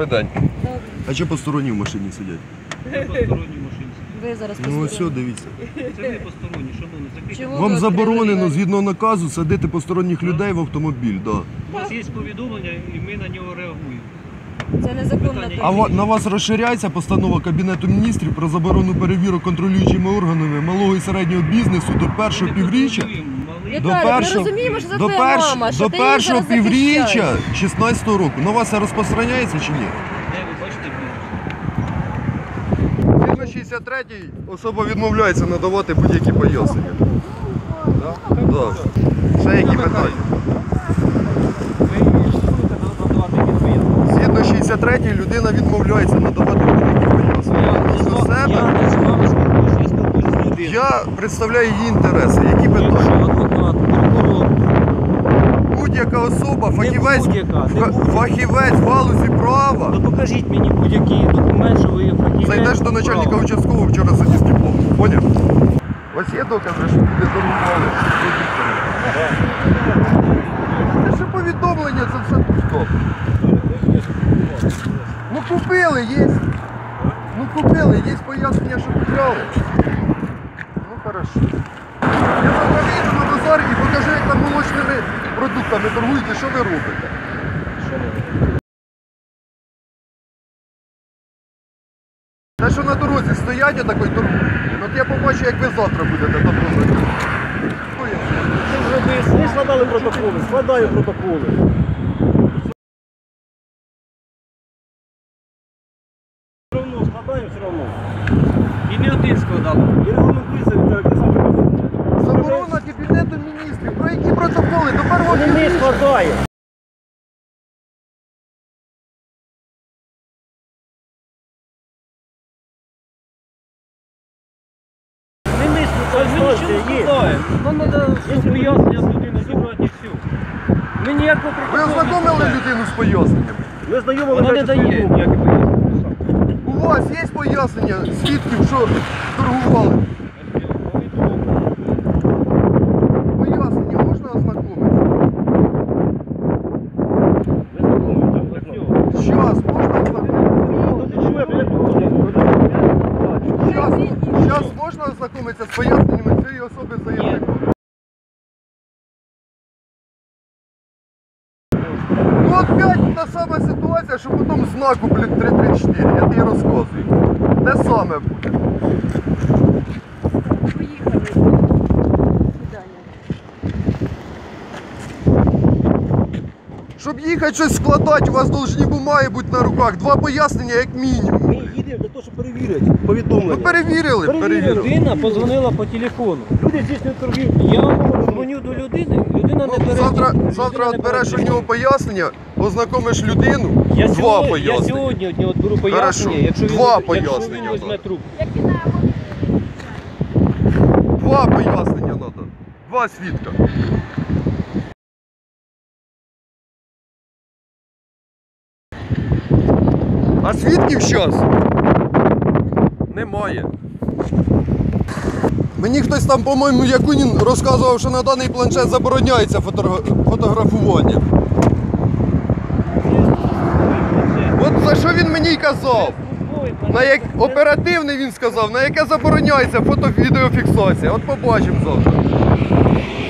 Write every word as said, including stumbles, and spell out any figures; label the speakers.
Speaker 1: Добрий день.
Speaker 2: Добре.
Speaker 1: А чи посторонні в машині сидять?
Speaker 3: Ви посторонні в машині.
Speaker 2: Ви зараз
Speaker 1: Ну ось
Speaker 2: посторонні.
Speaker 1: все, дивіться.
Speaker 3: Це ви посторонні, шановні. Закрийте.
Speaker 2: Чому?
Speaker 1: Вам
Speaker 2: ви
Speaker 1: заборонено,
Speaker 2: відкрили
Speaker 1: згідно наказу, садити посторонніх людей в автомобіль. Да.
Speaker 3: У вас є повідомлення і ми на нього реагуємо.
Speaker 2: Це незаконна
Speaker 3: Питання
Speaker 1: А
Speaker 3: є?
Speaker 1: ва- на вас розширяється постанова Кабінету міністрів про заборону перевірок контролюючими органами малого і середнього бізнесу до першого
Speaker 3: Ми не
Speaker 1: півріччя.
Speaker 3: контролюємо малий.
Speaker 1: До
Speaker 2: Віталій, ми
Speaker 1: першого,
Speaker 2: розуміємо, що це
Speaker 1: до
Speaker 2: твоя
Speaker 1: перш-
Speaker 2: мама, що
Speaker 1: до
Speaker 2: ти її
Speaker 1: першого
Speaker 2: зараз захищаєш.
Speaker 1: півріччя шістнадцятого року. На вас це розпространяється чи ні?
Speaker 3: Де ви бачите бізнес?
Speaker 1: Згідно шістдесят третій особа відмовляється надавати будь-які пояснення. Да? Да. Ще які питання? Згідно шістдесят третій людина відмовляється надавати будь-які пояснення. Відносно себе
Speaker 3: Я не з вами спілкуюся, я спілкуюся з людиною.
Speaker 1: я представляю її інтереси. Які питання?
Speaker 3: Якщо адвокат, прокурор,
Speaker 1: Будь-яка особа,
Speaker 3: Не
Speaker 1: фахівець,
Speaker 3: будь-яка, не
Speaker 1: фа-
Speaker 3: будь-яка.
Speaker 1: фахівець в галузі права.
Speaker 3: то покажіть мені будь-який документ, що ви є фахівець.
Speaker 1: Зайдеш до начальника
Speaker 3: права.
Speaker 1: участкового вчора сидів з дипломом. Поняв? Ось є докази, що тобі торгували. Це ще повідомлення, це все стоп. Ну купили, є. Ну купили, є пояснення, що купляли. Ну хорошо. Я завтра вийду на базар і покажу, як там молочними продуктами торгуєте, що ви робите. Те, що на дорозі стоять, отакої торгують. От я побачу, як ви завтра будете там робити.
Speaker 4: Ти вже вияснили, складали протоколи, складаю протоколи. Все одно, складаю все одно.
Speaker 3: І не один складав.
Speaker 4: І регламентується, Віталій, те саме робите.
Speaker 1: Заборона Кабінету міністрів. Про які протоколи? До першого
Speaker 4: Вони не
Speaker 1: півріччя.
Speaker 4: складає. Не ми складаємо, є.
Speaker 3: Нам треба пояснення з людини зібрати і все. Ми ніякого
Speaker 1: Ви ознакомили людину з поясненнями?
Speaker 4: Ми знайомили
Speaker 3: Вона не
Speaker 4: речі,
Speaker 3: дає
Speaker 4: знайомі.
Speaker 3: ніякі пояснення.
Speaker 1: У вас є пояснення свідків, що торгували? Пояснення можна ознакомитися?
Speaker 4: Ви знайомі, так, так.
Speaker 1: Щас можна ознакомитися?
Speaker 4: Ну, ти чує, блядь, походить.
Speaker 1: Щас, щас можна ознакомитися з поясненнями цієї особи заявника? Ну опять та сама ситуація, що потім знаку, блін, три три чотири, я тобі розказую. Те саме буде.
Speaker 2: Поїхали. Свидання.
Speaker 1: Щоб їхати щось складати, у вас повинні бумаги бути на руках. Два пояснення як мінімум.
Speaker 4: Ми їдемо для того, щоб перевірити повідомлення.
Speaker 1: Ну перевірили, перевірили.
Speaker 3: Людина позвонила по телефону.
Speaker 4: Люди здійснюють торгівлю.
Speaker 3: Я дзвоню до людини, людина не
Speaker 1: Ну,
Speaker 3: бере.
Speaker 1: завтра
Speaker 3: людина
Speaker 1: завтра
Speaker 3: не
Speaker 1: от береш
Speaker 3: бере
Speaker 1: у нього пояснення, ознакомиш людину,
Speaker 3: Я
Speaker 1: два
Speaker 3: сьогодні, я
Speaker 1: пояснення.
Speaker 3: сьогодні від нього беру пояснення,
Speaker 1: Хорошо.
Speaker 3: якщо він,
Speaker 1: Два
Speaker 3: якщо він
Speaker 1: пояснення,
Speaker 3: візьме
Speaker 1: так.
Speaker 3: трубку.
Speaker 1: Два пояснення треба. Два свідка. А свідків зараз немає. Мені хтось там, по-моєму, Якунін розказував, що на даний планшет забороняється фотогра- фотографування. От за що він мені й казав? На як оперативний він сказав, на яке забороняється фото-відеофіксація. От побачимо завтра.